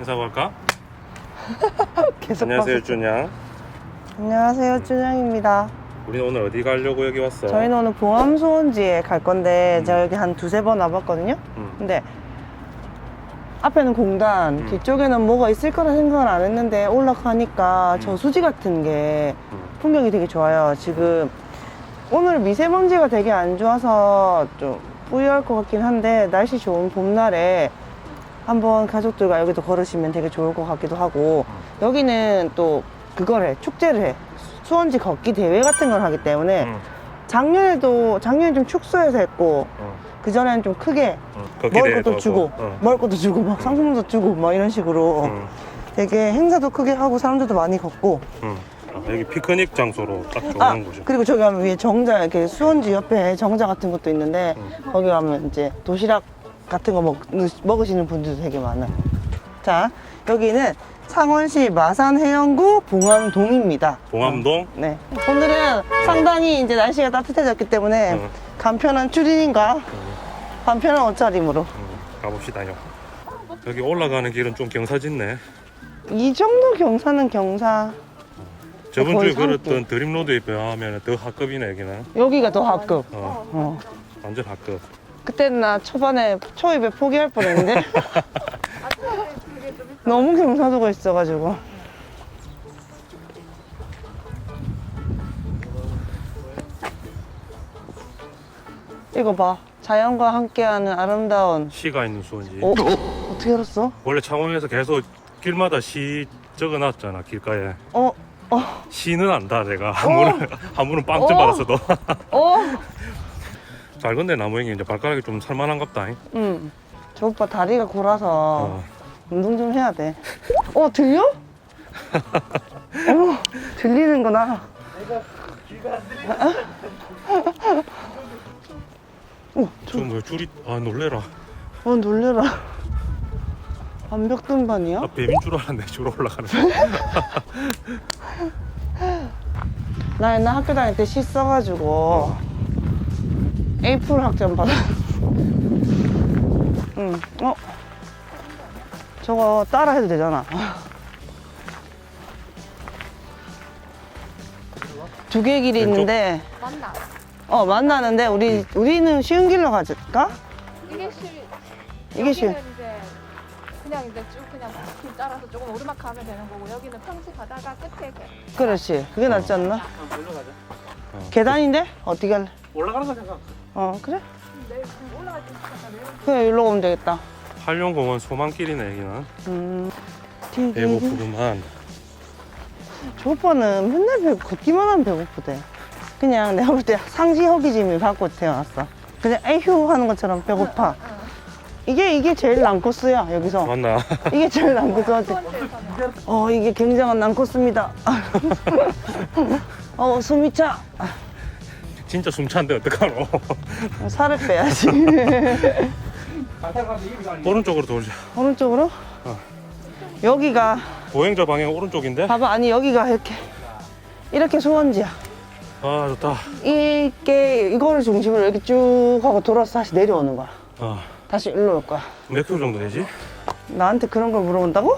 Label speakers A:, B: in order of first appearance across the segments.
A: 인사하고 할까?
B: 계속
A: 안녕하세요, 준양.
B: 안녕하세요, 준영입니다.
A: 우리는 오늘 어디 가려고 여기 왔어?
B: 저희는 오늘 봉암 소원지에 갈 건데 제가 여기 한 두세 번 와봤거든요. 근데 앞에는 공단, 뒤쪽에는 뭐가 있을 거라 생각을 안 했는데 올라가니까 저수지 같은 게 풍경이 되게 좋아요. 지금 오늘 미세먼지가 되게 안 좋아서 좀 뿌연할 것 같긴 한데 날씨 좋은 봄날에 한번 가족들과 여기도 걸으시면 되게 좋을 것 같기도 하고, 여기는 또 그걸 해, 축제를 해. 수원지 걷기 대회 같은 걸 하기 때문에 작년에 좀 축소해서 했고 그전에는 좀 크게 먹을 것도 주고 먹을 것도 주고 막 상품도 주고 막 이런 식으로 되게 행사도 크게 하고 사람들도 많이 걷고.
A: 여기 피크닉 장소로 딱 좋은 곳이야.
B: 그리고 저기 가면 위에 정자, 이렇게 수원지 옆에 정자 같은 것도 있는데 거기 가면 이제 도시락 같은 거 먹으시는 분들도 되게 많아요. 자, 여기는 창원시 마산해영구 봉암동입니다.
A: 봉암동?
B: 네. 오늘은 상당히 이제 날씨가 따뜻해졌기 때문에 간편한 추리닝과 간편한 옷차림으로
A: 가봅시다요. 여기 올라가는 길은 좀 경사짓네.
B: 이 정도 경사는 경사.
A: 저번
B: 거의
A: 주에 걸었던 드림로드에 비하면 더 하급이네, 여기는.
B: 여기가 더 하급.
A: 완전 하급.
B: 그때는 나 초반에 초입에 포기할 뻔했는데 너무 경사도가 있어가지고. 이거 봐, 자연과 함께하는 아름다운.
A: 시가 있는 수원지.
B: 어떻게 알았어?
A: 원래 창원에서 계속 길마다 시 적어놨잖아, 길가에. 시는 안다, 내가. 한 번은 빵점 받았어도. 잘 건데 나무행이 이제 발가락이 좀 살만한갑다.
B: 저 오빠 다리가 골아서 운동 좀 해야 돼. 들려? 들리는구나.
A: 좀 뭐 줄이 놀래라.
B: 놀래라. 완벽 등반이야?
A: 나 뱀인 줄 알았네, 줄 올라가는 거.
B: 나 옛날 학교 다닐 때 시 써가지고 에이프릴 학점 받았어. 저거 따라 해도 되잖아. 두 개 길이
A: 왼쪽?
B: 있는데
C: 맞나?
B: 만나는데 우리는 쉬운 길로 가질까? 이게 쉬.
C: 여기는 이제 그냥 이제 쭉 그냥 길 따라서 조금 오르막 가면 되는 거고, 여기는 평지 가다가 끝에
B: 그렇지, 그게 낫지 않나? 계단인데? 어떻게 할래?
D: 올라가는 거 생각.
B: 그래?
C: 내일 올라갈 때 있으니까
B: 그래, 일로 가면 되겠다.
A: 한룡공원 소망길이네, 여기는.
B: 되게
A: 배고프구만.
B: 저 오빠는 맨날 걷기만 하면 배고프대. 그냥 내가 볼 때 상시 허기짐을 받고 태어났어. 그냥 에휴 하는 것처럼 배고파. 이게 제일 난코스야, 여기서.
A: 맞나?
B: 이게 제일 난코스하지. 이게 굉장한 난코스입니다. 숨이 차.
A: 진짜 숨찬데 어떡하노?
B: 살을 빼야지.
A: 오른쪽으로 돌자.
B: 오른쪽으로? 여기가,
A: 보행자 방향 오른쪽인데?
B: 봐봐, 아니 여기가 이렇게 소원지야.
A: 아, 좋다.
B: 이거를 중심으로 이렇게 쭉 하고 돌아서 다시 내려오는 거야. 다시 일로 올 거야.
A: 몇 킬로 정도 되지?
B: 나한테 그런 걸 물어본다고?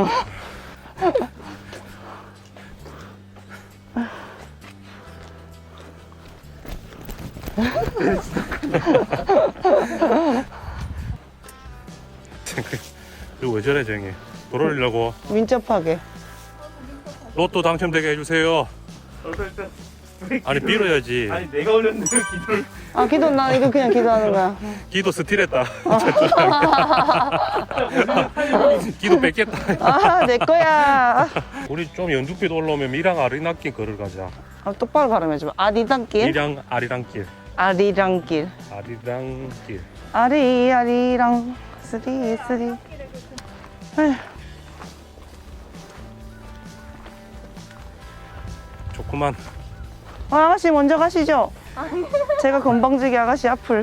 A: 이거 왜 저래, 쟁이? 돌아오려고.
B: 민첩하게.
A: 로또 당첨되게 해주세요. 아니, 빌어야지.
D: 아니 내가 올렸는데 기도를.
B: 나 이거 그냥 기도하는 거야.
A: 기도 스틸했다. 기도 뺏겠다.
B: 내 거야.
A: 우리 좀 연두빛 올라오면 미랑 아리랑길 걸을 가자.
B: 똑바로 발음해줘. 아리랑길?
A: 미랑 아리랑길.
B: 아리랑길.
A: 아리랑길.
B: 아리랑 쓰리. 에휴.
A: 좋구만.
B: 아가씨 먼저 가시죠. 제가 건방지게 아가씨 앞을.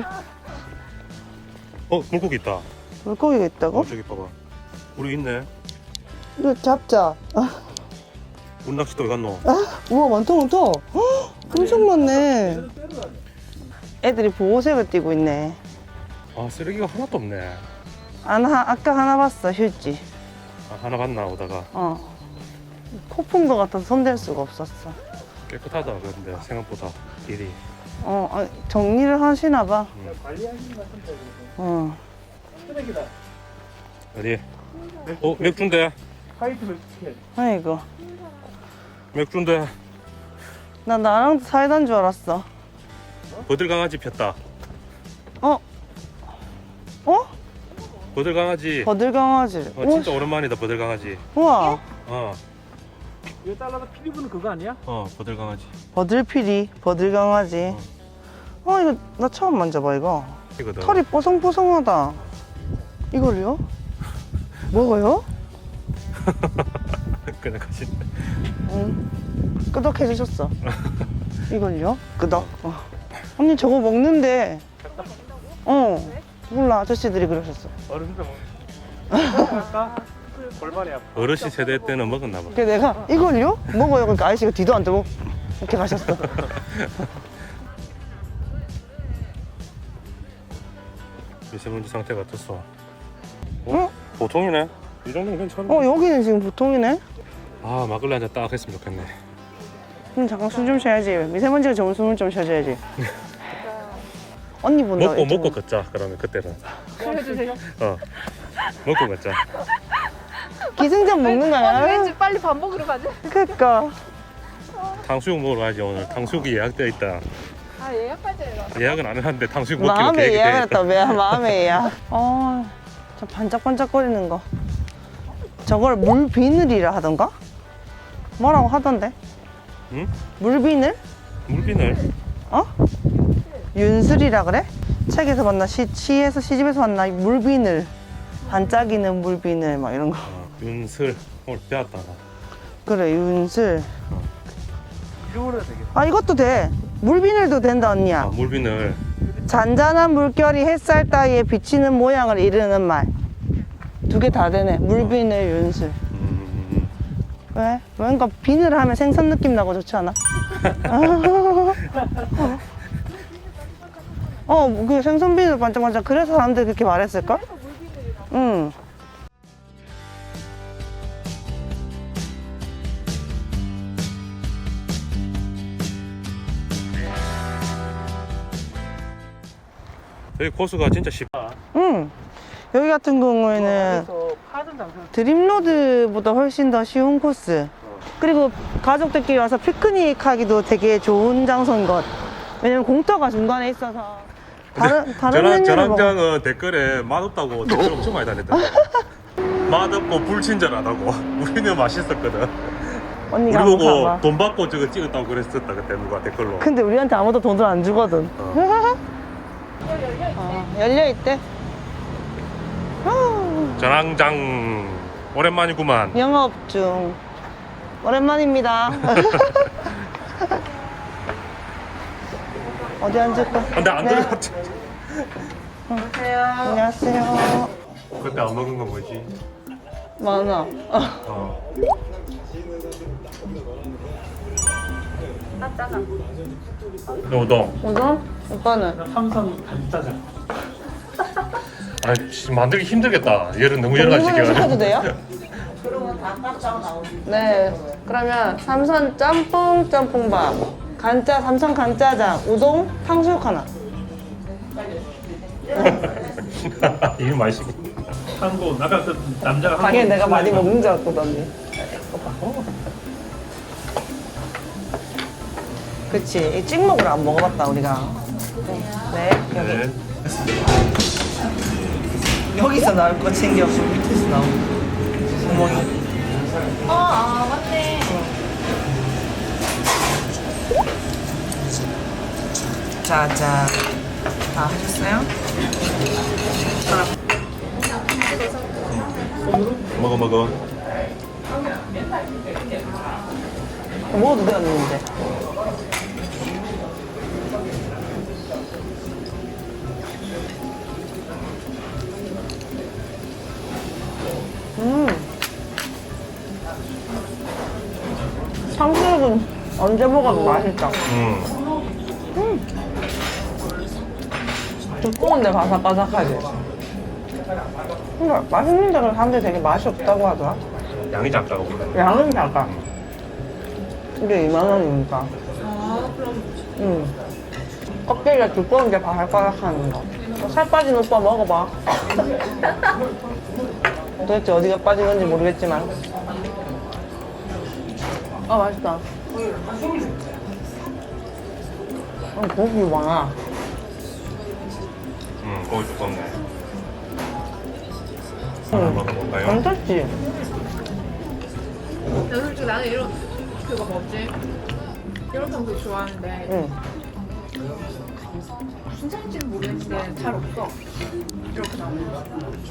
A: 물고기 있다.
B: 물고기가 있다고?
A: 저기 봐봐. 우리 있네.
B: 이거 잡자.
A: 운낚시도 왜 갔노?
B: 우와, 많다. 헉, 엄청 많네. 애들이 보호색을 띠고 있네.
A: 쓰레기가 하나도 없네.
B: 아까 하나 봤어, 휴지.
A: 하나 봤나 오다가
B: 코푼 거 같아서 손댈 수가 없었어.
A: 깨끗하다. 근데 생각보다 길이.
B: 정리를 하시나 봐.
D: 관리하시는 것 같은데. 쓰레기다.
A: 어디? 맥주인데.
D: 화이트 맥주캔.
B: 아이고.
A: 맥주인데.
B: 나 나랑 사이다인 줄 알았어.
A: 버들강아지 폈다.
B: 어?
A: 버들강아지.
B: 버들강아지.
A: 진짜 오랜만이다 버들강아지.
B: 우와.
D: 이거 잘라서 피리 부는 그거 아니야?
A: 버들강아지.
B: 버들피리, 버들강아지. 이거 나 처음 만져봐, 이거.
A: 이거다.
B: 털이 뽀송뽀송하다. 이걸요? 먹어요?
A: 그냥 가시.
B: 응. 끄덕해주셨어. 이걸요? 끄덕. 언니 저거 먹는데. 몰라. 아저씨들이 그러셨어.
D: 어른들 먹는. 골반이 아파.
A: 어르신 세대 때는 먹었나 봐.
B: 그래 내가 이걸요? 먹어요. 그러니까 아저씨가 뒤도 안 뜨고 이렇게 가셨어.
A: 미세먼지 상태가 어떻소?
B: 응?
A: 보통이네. 이 정도면 괜찮아.
B: 여기는 지금 보통이네.
A: 막걸리 한잔 딱 했으면 좋겠네.
B: 그럼 잠깐 숨 좀 쉬어야지. 미세먼지가 좋은 숨을 좀 쉬어줘야지. 언니 본다.
A: 먹고 걷자. 그러면 그때는.
C: 해주세요.
A: 먹고 걷자.
B: 기승전 먹는 거야.
C: 왠지 빨리 밥 먹으러 가지.
B: 그니까.
A: 탕수육 먹으러 가지 오늘. 탕수육이 예약되어 있다.
C: 예약할 때
A: 예약은 안 했는데 탕수육 먹기로
B: 마음에
A: 계획이
B: 예약을
A: 돼 있다.
B: 했다. 마음에 예약. 저 반짝반짝거리는 거. 저걸 물비늘이라 하던가? 뭐라고 하던데?
A: 응?
B: 물비늘?
A: 물비늘.
B: 윤슬이라 그래? 책에서 봤나? 시에서 시집에서 봤나? 물비늘. 반짝이는 물비늘 막 이런 거.
A: 윤슬. 오늘 배웠다. 나.
B: 그래 윤슬.
D: 이름으로 해야 되겠다.
B: 이것도 돼. 물비늘도 된다 언니야.
A: 물비늘.
B: 잔잔한 물결이 햇살 따위에 비치는 모양을 이르는 말. 두 개 다 되네. 물비늘 윤슬. 왜? 뭔가 비늘 하면 생선 느낌 나고 좋지 않아? 그 생선 비늘 반짝반짝. 그래서 사람들이 그렇게 말했을걸? 응.
A: 여기 코스가 진짜 쉽다.
B: 응. 여기 같은 경우에는
D: 그래서 파는 장사.
B: 드림로드보다 훨씬 더 쉬운 코스. 그리고 가족들끼리 와서 피크닉 하기도 되게 좋은 장소인 것. 왜냐면 공터가 중간에 있어서 다른 메뉴를 먹어.
A: 저랑장은 댓글에 맛없다고 댓글 엄청 많이 달렸다. 맛없고 불친절하다고. 우리는 맛있었거든.
B: 언니가
A: 우리
B: 한번
A: 보고
B: 가봐.
A: 돈 받고 저거 찍었다고 그랬었다 그때 누가 댓글로.
B: 근데 우리한테 아무도 돈을 안 주거든. 열려있대.
A: 전황장 오랜만이구만.
B: 영업 중. 오랜만입니다. 어디 앉을까?
A: 근데 안
B: 네.
A: 들어갔지.
B: 안녕하세요.
A: 그때 안 먹은 거 뭐지?
B: 많아.
A: 우동.
B: 우동? 오빠는?
D: 삼선 간짜장.
A: 만들기 힘들겠다. 얘를 너무 여러 가지
B: 동물을 시켜도
A: 시켜가지고.
B: 돼요? 네. 그러면 삼선 짬뽕 짬뽕밥, 삼선 간짜장, 우동, 탕수육 하나.
A: 이거 맛있고.
D: 한국 아까 그 남자가
B: 당연히 내가 많이 먹는 줄 알았거든. 그치. 찍먹으로 안 먹어봤다 우리가. 네. 여기.
A: 네.
B: 여기서 나올 거 챙겨. 밑에서 나오고. 구멍이.
C: 맞네.
B: 자. 다 하셨어요?
A: 먹어.
B: 먹어도 되었는데. 탕수육은 언제 먹어도 맛있다. 두꺼운데 바삭바삭하지. 근데 맛있는 데는 사람들이 되게 맛이 없다고 하더라.
A: 양이 작다고 그래.
B: 양은 작아. 이게 2만 원이니까.
C: 아, 그럼
B: 껍데기가 두꺼운 게 바삭바삭하는 거. 살 빠진 오빠 먹어봐. 도대체 어디가 빠진 건지 모르겠지만. 아, 맛있다. 고기 많아.
A: 거기 두껍네. 하나 먹어볼까요?
B: 괜찮지?
C: 야, 솔직히 나는 이런 그거 뭐지? 이런 탕수육 좋아하는데
B: 응.
C: 무슨 살인지는 모르겠는데 잘 없어. 이렇게 나오는 거.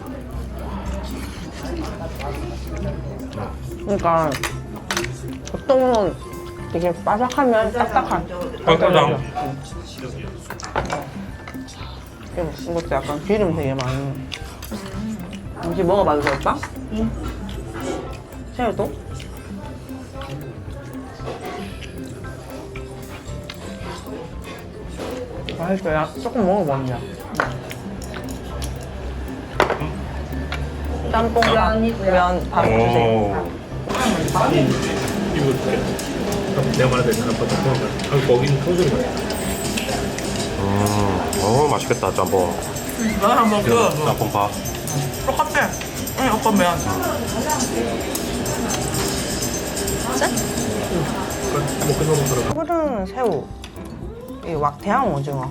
B: 그러니까 보통은 되게 바삭하면 딱딱한.
A: 닭도장.
B: 이것도 약간 기름 되게 많이. 혹시 먹어봐도 될까? 응. 새우도? 맛있어요. 조금 먹어보자. 짬뽕랑 면 밥 주세요.
A: 오.
D: 이거 어떻게? 내가 말한 대로 한번 거기는 탕수육이 맛있다.
A: 맛있겠다 짬뽕.
B: 면 한번 그
A: 짬뽕 밥.
B: 똑같아. 응, 오빠 면.
D: 뭐 끝나고 들어가.
B: 푸른 새우. 이 왁대양 오징어.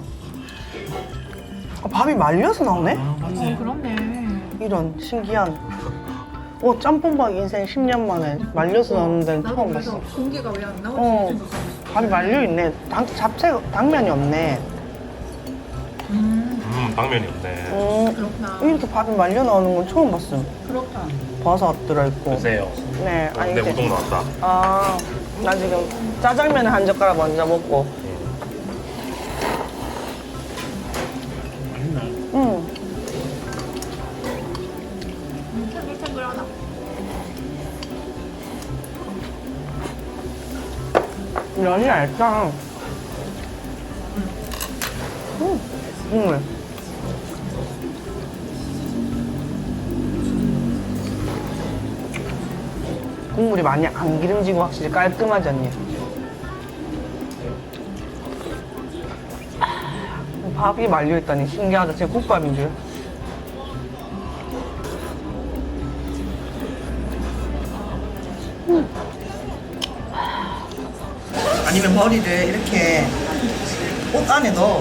B: 밥이 말려서 나오네?
C: 그렇네.
B: 이런 신기한. 짬뽕밥 인생 10년 만에 말려서 나오는 데는
C: 나도
B: 처음
C: 그래서
B: 봤어.
C: 공기가 왜 안 나오지?
B: 밥이 말려있네. 당면이 없네.
A: 당면이 없네.
C: 그렇구나.
B: 이렇게 밥이 말려 나오는 건 처음 봤어.
C: 그렇다.
B: 버섯 들어있고.
A: 드세요.
B: 네, 아니
A: 내
B: 이제.
A: 우동 나왔다.
B: 아, 나 지금 짜장면 한 젓가락 먼저 먹고. 응.
C: 탱글탱글하다.
B: 면이 얇다. 국물. 국물이 많이 안 기름지고 확실히 깔끔하지 않니? 밥이 말려있다니 신기하다. 진짜 국밥인 줄. 아니면 머리를 이렇게 옷 안에 넣어.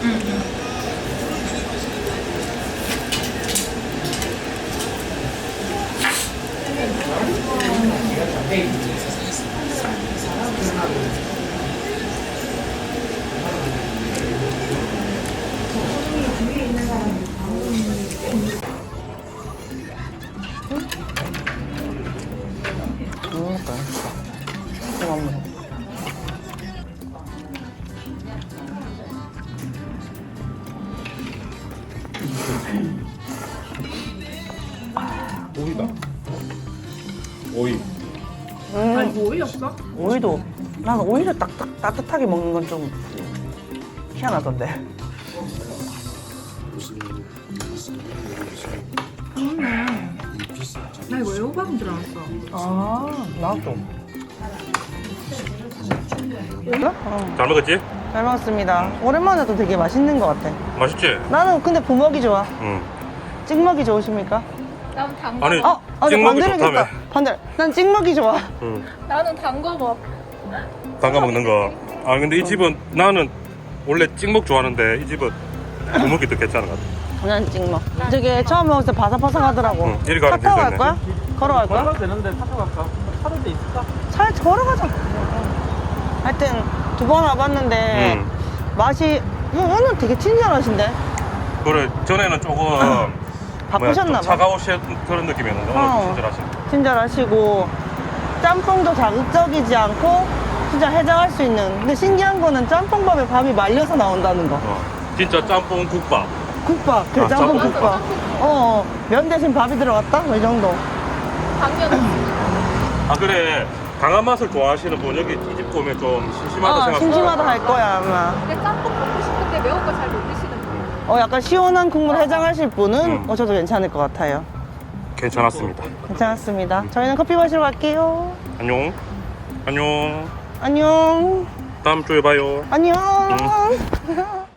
A: 오이다. 오이.
C: 아니, 뭐 오이였어?
B: 오이도 나는 오이를 따뜻하게 먹는 건 좀 희한하던데.
C: 나 이거 애호박인 줄 알았어.
B: 아, 나도.
A: 잘 먹었지?
B: 잘 먹었습니다. 오랜만에도 되게 맛있는 것 같아.
A: 맛있지?
B: 나는 근데 부먹이 좋아.
A: 응.
B: 찍먹이 좋으십니까?
C: 나는 단 거
A: 아니,
C: 먹.
A: 찍먹이
B: 반대로겠다.
A: 좋다며.
B: 반대. 난 찍먹이 좋아.
A: 응.
C: 나는 단 거 먹.
A: 담가 먹는 거. 근데 이 집은 나는 원래 찍먹 좋아하는데 이 집은 부먹이 더 괜찮은 것 같아.
B: 난 찍먹. 저게 처음 먹을 때 바삭바삭하더라고.
A: 응, 이리 가라,
B: 차 타고 갈
A: 괜찮네.
B: 거야? 걸어갈 거야?
D: 걸어가도 되는데 타고 갈까? 차도 데 있을까?
B: 차에 걸어가자. 하여튼 2번 와봤는데 맛이 오늘 되게 친절하신데.
A: 그래, 전에는 조금
B: 바쁘셨나 봐.
A: 차가우신 그런 느낌이었는데 오늘 친절하시네.
B: 친절하시고 짬뽕도 자극적이지 않고 진짜 해장할 수 있는. 근데 신기한 거는 짬뽕밥에 밥이 말려서 나온다는 거.
A: 진짜 짬뽕 국밥.
B: 국밥, 그래, 짬뽕
A: 짬뽕
B: 국밥. 면 대신 밥이 들어갔다? 이 정도.
C: 당면.
A: 그래, 강한 맛을 좋아하시는 분 여기 이 집 보면 좀 심심하다 생각.
B: 심심하다 할 거야 아마.
C: 근데 짬뽕 먹고 싶은데 매운 거 잘 못 드시는 분.
B: 약간 시원한 국물 해장하실 분은 저도 괜찮을 것 같아요.
A: 괜찮았습니다.
B: 괜찮았습니다. 저희는 커피 마시러 갈게요.
A: 안녕. 안녕.
B: 안녕.
A: 다음 주에 봐요.
B: 안녕.